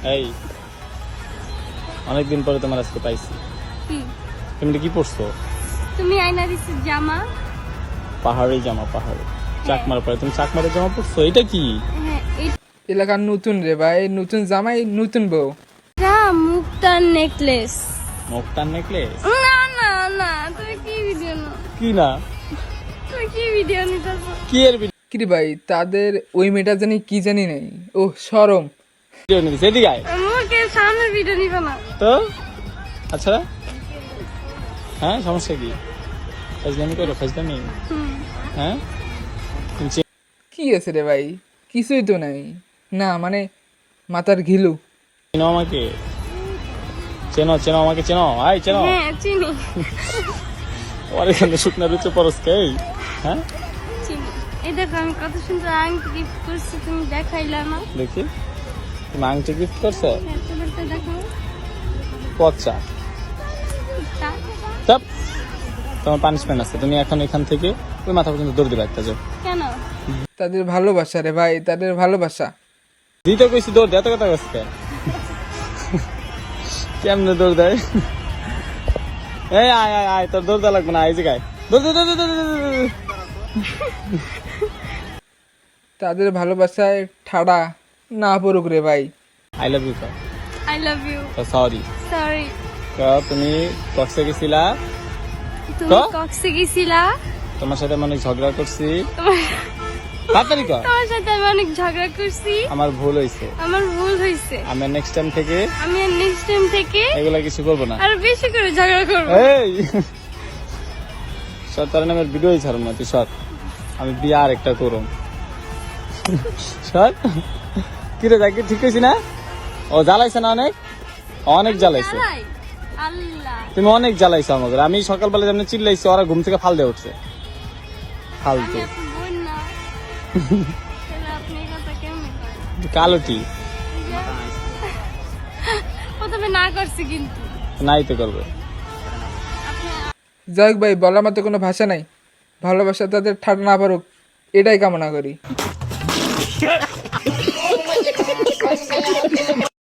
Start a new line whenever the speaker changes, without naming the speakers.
এই অনেকদিন পরে তোমার আজকে পাইছি।
কি
তুমি কি পরছো?
তুমি আয়না দিছো জামা?
পাহাড়ি জামা, পাহাড়ি চাকমার পরে তুমি চাকমারের জামা পরছো, এটা কি?
হ্যাঁ
এলাকার নতুন রে ভাই, নতুন জামাই নতুন বউ।
এটা মুক্তার নেকলেস।
মুক্তার নেকলেস?
না না না, তুমি কি ভিডিও না,
কি না?
তুমি কি ভিডিও নিতেছো?
কি এর
কি রে ভাই, তাদের ওই মেয়েটা জানি কি জানি নাই, ও শরম।
ভিডিও নিতেছে? এদিকে আয়
আমাকে সামনে ভিডিও নিবে না
তো। আচ্ছা হ্যাঁ, সমস্যা কি? ফাজলামি করো, ফাজলামি। হ্যাঁ তুমি
কি আছে রে ভাই, কিছুই তো নাই। না মানে মাথার ঘিলু।
চেনো আমাকে? চেনো চেনো আমাকে, চেনো? আই চেনো?
হ্যাঁ চিনি
আমার এখানে শুকনা রুচে পরস্কে। হ্যাঁ
চিনি। এই দেখো আমি কত সুন্দর আংটি গিফট করছি, তুমি দেখাইলা না।
দেখি, তুমি আংটি গিফট করছো?
হ্যাঁ, তোমারটা দেখো।
পচা
তা,
চাপ। তোমার পানিশমেন্ট আছে, তুমি এখন এখান থেকে ওই মাথা পর্যন্ত দৌড় দিবে একটা। যাও।
কেন?
তাদের ভালোবাসা রে ভাই, তাদের ভালোবাসা।
দিতে কইছি দৌড় দে, এত কথা কইছে কেমনে দৌড় দেয়? এই আয় আয় আয়, তোর দৌড় দেওয়া লাগবে না, এই যে গায় দৌড় দৌড় দৌড় দৌড় দৌড় দৌড়।
তাদের ভালোবাসায় ঠাড়া না পড়ুক রে ভাই।
I love you
I love you.
Sorry.
Sorry.
তুমি কক্সে গেছিলা,
তুমি
তো?
কক্সে গেছিলা?
তোমার সাথে আমি অনেক ঝগড়া করছি।
তোমার
তাড়াতাড়ি কর।
তোমার সাথে আমি অনেক ঝগড়া করছি।
আমার ভুল হয়েছে,
আমার ভুল হয়েছে।
আমি নেক্সট টাইম থেকে
আমি আর নেক্সট টাইম থেকে
এগুলা কিছু করবো না।
আরো বেশি করে ঝগড়া করবো।
এই সর, তার নামের ভিডিওই ছাড়ুন না তুই, সর। আমি বিয়ে আর একটা করুম। সর। কিরে যাকে ঠিক হয়েছি না? ও জ্বালাইছে না অনেক, অনেক জ্বালাইছে।
জ্বালাই? আল্লাহ,
তুমি অনেক জ্বালাইছো আমাকে। আমি সকালবেলা যেমন চিল্লাইছি, ওরা ঘুম থেকে ফাল দিয়ে উঠছে। ফালতু
আমি আপনার বোন না। তাহলে আপনি এই কথা কেমনে করেন?
কালোটি
প্রথমে না করছি কিন্তু
নাই তো করবে।
আপনি
যাই হোক ভাই, বলার মতো কোনো ভাষা নাই। ভালোবাসা তাদের ঠাড়া না পারুক, এটাই কামনা করি।